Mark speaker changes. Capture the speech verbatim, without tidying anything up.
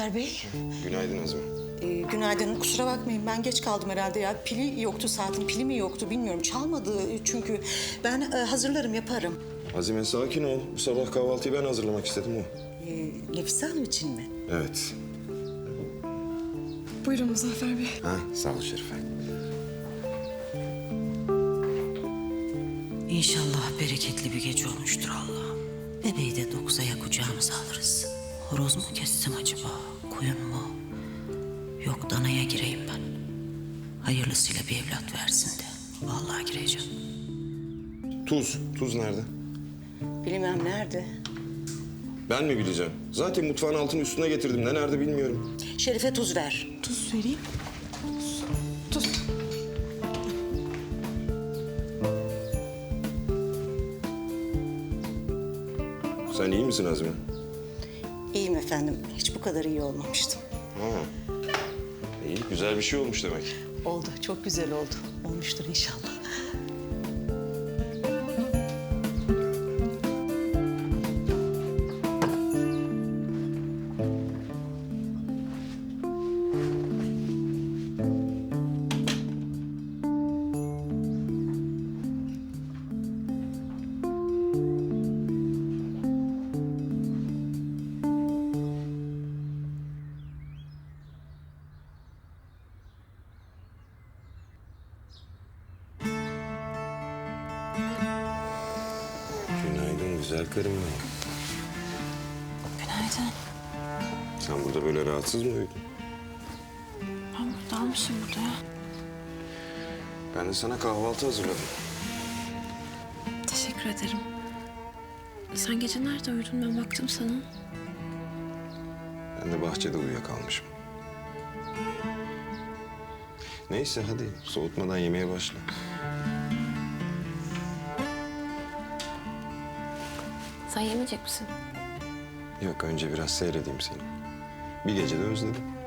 Speaker 1: Muzaffer Bey.
Speaker 2: Günaydın Azime.
Speaker 1: Ee, günaydın. Kusura bakmayın, ben geç kaldım herhalde ya. Pili yoktu saatin, pili mi yoktu bilmiyorum. Çalmadı çünkü. Ben e, hazırlarım, yaparım.
Speaker 2: Azime sakin ol. Bu sabah kahvaltıyı ben hazırlamak istedim o.
Speaker 1: Ee, Nefise Hanım için mi?
Speaker 2: Evet.
Speaker 3: Buyurun Muzaffer Bey.
Speaker 2: Ha, sağ ol Şerife.
Speaker 4: İnşallah bereketli bir gece olmuştur Allah'ım. Bebeği de dokuzaya kucağımıza alırız. Horoz mu kessem acaba? Koyun mu? Yok, danaya gireyim ben. Hayırlısıyla bir evlat versin de. Vallahi gireceğim.
Speaker 2: Tuz. Tuz nerede?
Speaker 1: Bilmem nerede.
Speaker 2: Ben mi bileceğim? Zaten mutfağın altını üstüne getirdim. Ne nerede bilmiyorum.
Speaker 1: Şerife tuz ver.
Speaker 3: Tuz vereyim. Tuz. Tuz.
Speaker 2: Sen iyi misin Azime?
Speaker 1: İyiyim efendim. Hiç bu kadar iyi olmamıştım.
Speaker 2: Ha. İyi, güzel bir şey olmuş demek.
Speaker 1: Oldu, çok güzel oldu. Olmuştur inşallah.
Speaker 2: Günaydın güzel karım benim.
Speaker 3: Günaydın.
Speaker 2: Sen burada böyle rahatsız mı uyudun?
Speaker 3: Ben burada almışım burada ya.
Speaker 2: Ben de sana kahvaltı hazırladım.
Speaker 3: Teşekkür ederim. Sen gece nerede uyudun? Ben baktım sana.
Speaker 2: Ben de bahçede uyuyakalmışım. Neyse hadi soğutmadan yemeye başla.
Speaker 3: Sen yemeyecek misin?
Speaker 2: Yok önce biraz seyredeyim seni. Bir gece de özledim.